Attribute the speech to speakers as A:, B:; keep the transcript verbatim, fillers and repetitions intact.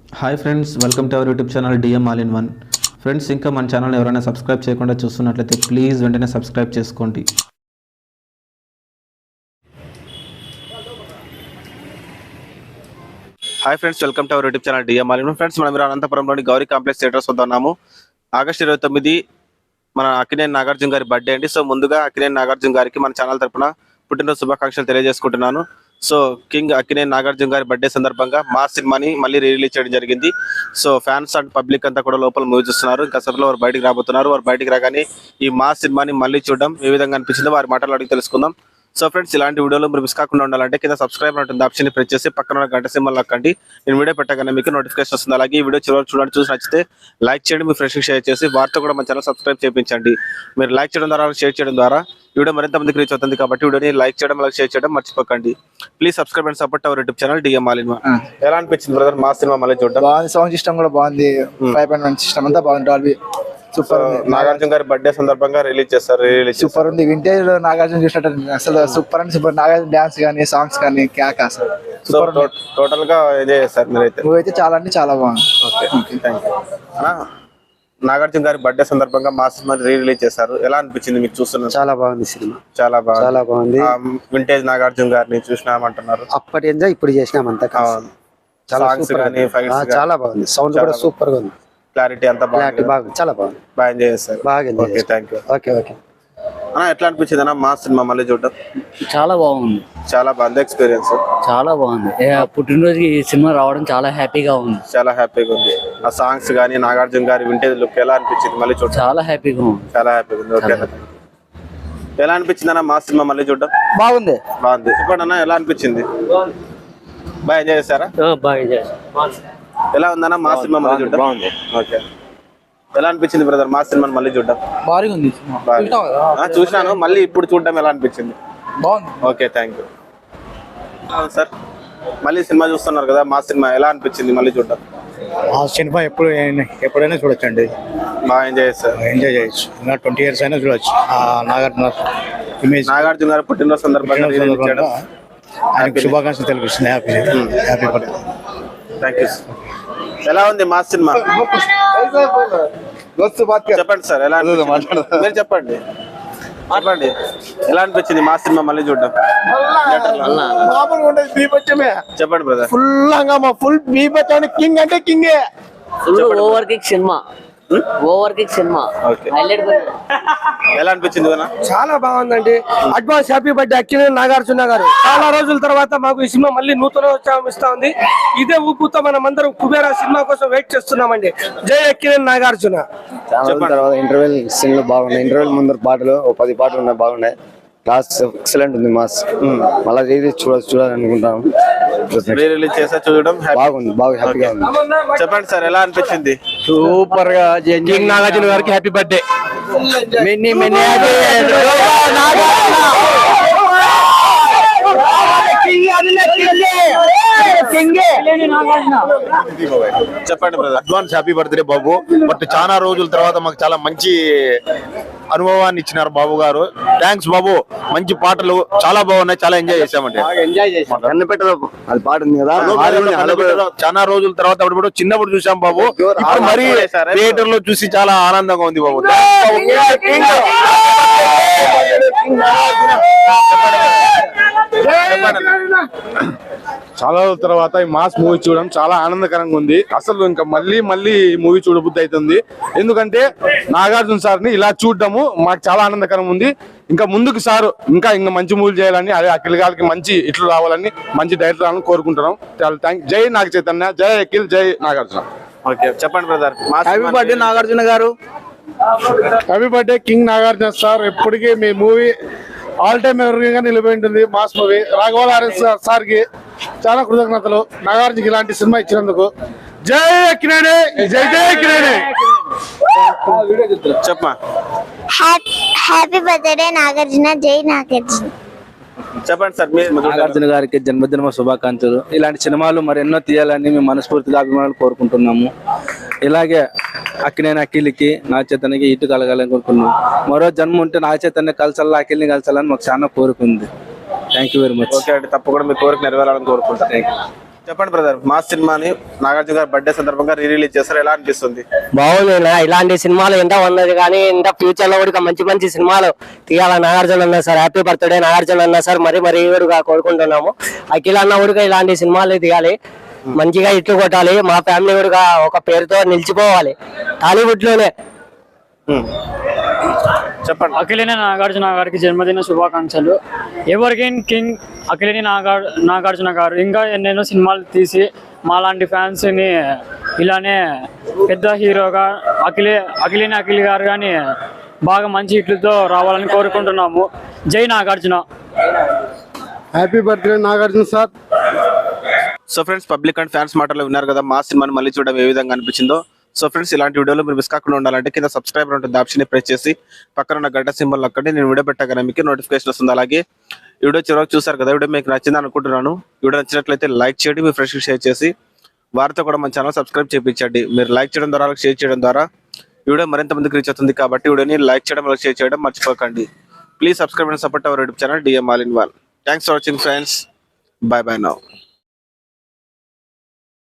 A: Hi friends, welcome to our YouTube channel D M all in one. Friends, ఇంకా మన channel ఎవరైనా subscribe చేయకుండా చూస్తున్నట్లయితే ప్లీజ్ వెంటనే సబ్స్క్రైబ్ చేసుకోండి.
B: Hi friends, welcome to our YouTube channel D M all in one. Friends, మనం అనంతపురంలోని Gauri complex theatres వద్ద ఉన్నాము. ఆగస్టు ఇరవై తొమ్మిది మన అక్కినేని నాగార్జున గారి బర్త్డే అండి. సో ముందుగా అక్కినేని నాగార్జున గారికి మన ఛానల్ తరపున పుట్టినరోజు శుభాకాంక్షలు తెలియజేసుకుంటున్నాను. సో కింగ్ అక్కినేని నాగార్జున గారి బర్త్డే సందర్భంగా మా సినిమాని మళ్ళీ రిలీజ్ చేయడం జరిగింది. సో ఫ్యాన్స్ అండ్ పబ్లిక్ అంతా కూడా లోపల మూవీ చూస్తున్నారు. ఇంకా సభలో వారు బయటికి రాబోతున్నారు. వారు బయటికి రాగానే ఈ మా సినిమాని మళ్ళీ చూడడం ఏ విధంగా అనిపించిందో వారి మాటలు అడిగి తెలుసుకుందాం. సో ఫ్రెండ్స్, ఇలాంటి వీడియోలు మీరు మిస్ కాకుండా ఉండాలంటే కింద సబ్స్క్రైబ్ ఉంటుంది ఆప్షన్ ప్రెస్ చేసి పక్కన గంట సింబల్ నొక్కండి. నేను వీడియో పెట్టగానే మీకు నోటిఫికేషన్ వస్తుంది. అలాగే ఈ వీడియో చివరి చూడండి, చూసి నచ్చితే లైక్ చేయండి, మీ ఫ్రెండ్స్కి షేర్ చేసి వారితో కూడా మన ఛానల్ సబ్స్క్రైబ్ చేయించండి. మీరు లైక్ చేయడం ద్వారా షేర్ చేయడం ద్వారా వీడియో మరింత మందికి రీచ్ అవుతుంది. కాబట్టి వీడియోని లైక్ చేయడం అలాగే షేర్ చేయడం మర్చిపోకండి. Please subscribe and support our YouTube channel D M all in one. ఎలా అనిపించింది బ్రదర్ మా సినిమా మళ్ళీ చూడడం?
C: బాగుంది, సౌండ్ సిస్టమ్ కూడా బాగుంది, ఫైవ్ పాయింట్ వన్ సిస్టమ్ అంతా బాగుంది. డాల్బీ సూపర్ ఉంది.
B: నాగార్జున గారి బర్త్డే సందర్భంగా రిలీజ్ చేస్తారు. రిలీజ్
C: సూపర్ ఉంది. వింటేజ్ నాగార్జున చూసినట్టు అసలు super and super. Nagarjuna dance కానీ సాంగ్స్ కానీ క్యాక్ అసలు సూపర్.
B: టోటల్ గా ఎంజాయ్ చేస్తారు మీరైతే?
C: మూవీ అయితే చాలా అంటే చాలా బాగుంది.
B: Okay, thank you. నాగార్జున గారి బర్త్డే సందర్భంగా మా సినిమా రీ రిలీజ్ చేశారు. ఎలా అనిపించింది మీకు చూస్తున్నారు?
D: చాలా బాగుంది సినిమా,
B: చాలా బాగా
D: చాలా బాగుంది.
B: వింటేజ్ నాగార్జున గారిని చూసినామంటున్నారు.
D: అప్పటి ఎంజాయ్ ఇప్పుడు చేసినాం అంతా. చాలా సూపర్
B: కానీ
D: చాలా బాగుంది. సౌండ్ కూడా సూపర్ గా ఉంది.
B: క్లారిటీ అంతా
D: క్లారిటీ బాగుంది, చాలా బాగుంది.
B: బాగా ఎంజాయ్ చేస్తారు.
D: బాగా enjoy
B: okay, thank you.
D: Okay okay
B: అన్న, ఎట్లా అనిపించింది అన్న మా సినిమా మళ్ళీ చూడడం?
E: చాలా బాగుంది,
B: చాలా బాగుంది ఎక్స్పీరియన్స్.
E: చాలా బాగుంది. ఏ, పుట్టినరోజుకి ఈ సినిమా రావడం చాలా హ్యాపీగా ఉంది.
B: చాలా హ్యాపీగా ఉంది. ఆ సాంగ్స్ కానీ నాగార్జున గారి వింటేజ్ లుక్ ఎలా అనిపించింది మళ్ళీ చూడడం?
E: చాలా హ్యాపీగా ఉంది.
B: చాలా హ్యాపీగా ఉంది. ఓకే, ఎలా అనిపించింది అన్న మా సినిమా మళ్ళీ చూడడం?
D: బాగుంది,
B: బాగుంది. ఇప్పుడు అన్న ఎలా అనిపించింది? బాగా ఎంజాయ్ చేశారా?
E: బాగా
B: ఎలా ఉందన్న మా సినిమా మళ్ళీ చూడడం? బాగుంది. ఓకే, ఎలా అనిపించింది బ్రదర్ మా సినిమాని మళ్ళీ చూడడం?
C: బాగా ఉంది.
B: చూసినాను, మళ్ళీ ఇప్పుడు చూడడం ఎలా అనిపించింది?
C: బాగుంది.
B: Okay, thank you sir. మళ్ళీ సినిమా చూస్తున్నారు కదా, మా సినిమా ఎలా అనిపించింది మళ్ళీ చూడడం?
F: ఆ సినిమా ఎప్పుడు ఎప్పుడైనా చూడొచ్చు అండి,
B: బాగా ఎంజాయ్ చేస్తారు.
F: ఎంజాయ్ చేయొచ్చు. ఇంకా ట్వంటీ ఇయర్స్ అయినా చూడొచ్చు. ఆ నాగార్జున ఇమేజ్,
B: నాగార్జున గారు పుట్టినరోజు సందర్భంగా రిలీజ్ చేయడం
F: ఆయనకు శుభాకాంక్షలు తెలిపిస్తుంది. Happy happy birthday.
B: Thank you. ఎలా ఉంది మా సినిమా? చెప్పండి సార్, ఎలా అనిపించింది? మీరు చెప్పండి చెప్పండి ఎలా అనిపించింది మా సినిమా మళ్ళీ చూడడం? చెప్పండి బ్రదర్.
C: ఫుల్ హంగామా, ఫుల్ బీభత్సం. కింగ్ అంటే కింగే.
E: Full over kick cinema, over kick cinema highlight.
B: ఎలా అనిపించింది?
G: చాలా బాగుందండి. Advance happy birthday Akkineni Nagarjuna garu. చాలా రోజుల తర్వాత మాకు ఈ సినిమా మళ్ళీ నూతన ఉత్సాహం ఇస్తా ఉంది. ఇదే ఊపుతో మనం అందరం కుబేరా సినిమా కోసం వెయిట్ చేస్తున్నామండి. జై అక్కినేని నాగార్జున.
D: చాలా రోజుల తర్వాత ఇంటర్వెల్ సీన్లు బాగున్నాయి. ఇంటర్వెల్ ముందర పాటలు ఓ పది పాటలు ఉన్నాయి, బాగున్నాయి. క్లాస్ ఎక్సలెంట్ ఉంది. మాస్ మళ్ళీ ఇది చూడ చూడాలనుకుంటాను.
B: రిలీజ్ చేసా చూడడం
D: బాగుంది, బాగా హ్యాపీగా ఉంది.
B: చెప్పండి సార్, ఎలా అనిపించింది?
D: సూపర్ గా కింగ్ నాగార్జున గారికి హ్యాపీ బర్త్డే. మెనీ మెనీ
B: చెప్పండి బ్రదర్.
H: అడ్వాన్స్ హ్యాపీ బర్త్డే బాబు. బట్ చాలా రోజుల తర్వాత మాకు చాలా మంచి అనుభవాన్ని ఇచ్చినారు బాబు గారు. థ్యాంక్స్ బాబు. మంచి పాటలు చాలా బాగున్నాయి, చాలా ఎంజాయ్ చేసామండి.
D: ఎంజాయ్ చేసాం. కన్నపెట్టలో అది పాట ఉంది కదా,
H: చాలా రోజుల తర్వాత అప్పుడు చిన్నప్పుడు చూసాం బాబు. ఇప్పుడు మరి థియేటర్ లో చూసి చాలా ఆనందంగా ఉంది బాబు.
I: చాలా రోజుల తర్వాత ఈ మాస్ మూవీ చూడడం చాలా ఆనందకరంగా ఉంది. అసలు ఇంకా మళ్ళీ మళ్ళీ ఈ మూవీ చూడబుద్ధి అవుతుంది. ఎందుకంటే నాగార్జున సార్ ని ఇలా చూడడము మాకు చాలా ఆనందకరంగా ఉంది. ఇంకా ముందుకు సార్ ఇంకా ఇంకా మంచి మూవీలు చేయాలని, అదే అఖిల్ గారికి మంచి ఇట్లు రావాలని, మంచి డైరెక్టర్ రావాలని కోరుకుంటున్నాం. చాలా థ్యాంక్. జై నాగ చైతన్య, జై అఖిల్, జై నాగార్జున.
B: ఓకే, చెప్పండి brother.
C: Happy birthday Nagarjuna garu.
I: Happy birthday king Nagarjuna sir. ఎప్పటికీ మీ మూవీ ఆల్ టైమ్ ఎవర్ గా నిలిపోయి ఉంటుంది. Mass movie. రాఘవారెడ్డి సార్ కి చాలా కృతజ్ఞతలు, నాగార్జునకి ఇలాంటి సినిమా ఇచ్చినందుకు. జై అక్కినేని, జై జై అక్కినేని.
B: చెప్పమా.
J: హ్యాపీ బర్త్డే నాగార్జున, జై నాగార్జున.
B: చెప్పండి సార్.
G: నాగార్జున గారికి జన్మదిన శుభాకాంక్షలు. ఇలాంటి సినిమాలు మరెన్నో తీయాలని మేము మనస్ఫూర్తిగా అభిమానులు కోరుకుంటున్నాము. ఇలాగే అక్కినేని అఖిల్కి నాగ చైతన్యకి ఇటు కలగాలని కోరుకున్నాం. మరో జన్మ ఉంటే నాగ చైతన్య కలసాలా, అఖిల్ని కలసాలని మాకు చాలా కోరుకుంది. Thank you very much.
B: Okay అండి, తప్పకుండా మీ కోరిక నెరవేరాలని కోరుకుంటాను. చెప్పండి బ్రదర్, మాస్ సినిమాని నాగార్జున గారి బర్త్డే సందర్భంగా రీ రిలీజ్ చేస్తారు, ఎలా అనిపిస్తుంది?
E: బాగుంది. ఇలాంటి సినిమాలు ఎంత ఉన్నది కానీ ఇంకా ఫ్యూచర్ లో కూడా మంచి మంచి సినిమాలు తీయాలని నాగార్జున అన్న సార్. హ్యాపీ బర్త్డే నాగార్జున అన్న సార్. మరి మరి కూడా కోరుకుంటున్నాము. అఖిల్ అన్న కూడా ఇలాంటి సినిమాలు తీయాలి, మంచిగా ఇట్లు కొట్టాలి. మా ఫ్యామిలీ కూడా ఒక పేరుతో నిలిచిపోవాలి టాలీవుడ్ లోనే.
B: చెప్పండి.
K: అఖిలేని నాగార్జున గారికి జన్మదిన శుభాకాంక్షలు. ఎవరికైన్ కింగ్ అఖిలేని నాగార్ నాగార్జున గారు ఇంకా ఎన్నెన్నో సినిమాలు తీసి మాలాంటి ఫ్యాన్స్ ని ఇలానే పెద్ద హీరోగా అఖిలే అఖిలేని అఖిల్ గారు కానీ బాగా మంచి హిట్లతో రావాలని కోరుకుంటున్నాము. జై Nagarjuna.
I: Happy birthday Nagarjuna sir.
B: So friends, public and fans మాటలు విన్నారు కదా, మా సినిమాని మళ్ళీ చూడడం ఏ విధంగా అనిపించిందో. సో ఫ్రెండ్స్, ఇలాంటి వీడియోలు మీరు మిస్ కాకుండా ఉండాలంటే కింద సబ్స్క్రైబర్ ఉంటుంది ఆప్షన్ ప్రెస్ చేసి పక్కన ఉన్న గంట సింబల్ అక్కడి నేను వీడియో పెట్టగానే మీకు నోటిఫికేషన్ వస్తుంది. అలాగే ఈ వీడియో చివరికి చూసారు కదా, వీడియో మీకు నచ్చింది అనుకుంటున్నాను. వీడియో నచ్చినట్లయితే లైక్ చేయండి, మీ ఫ్రెండ్స్కి షేర్ చేసి వారితో కూడా మన ఛానల్ సబ్స్క్రైబ్ చేయించండి. మీరు లైక్ చేయడం ద్వారా షేర్ చేయడం ద్వారా వీడియో మరింత మందికి రీచ్ అవుతుంది. కాబట్టి వీడియోని లైక్ చేయడం షేర్ చేయడం మర్చిపోకండి. Please subscribe and support our YouTube channel D M all in one. Thanks for watching friends. Bye bye now.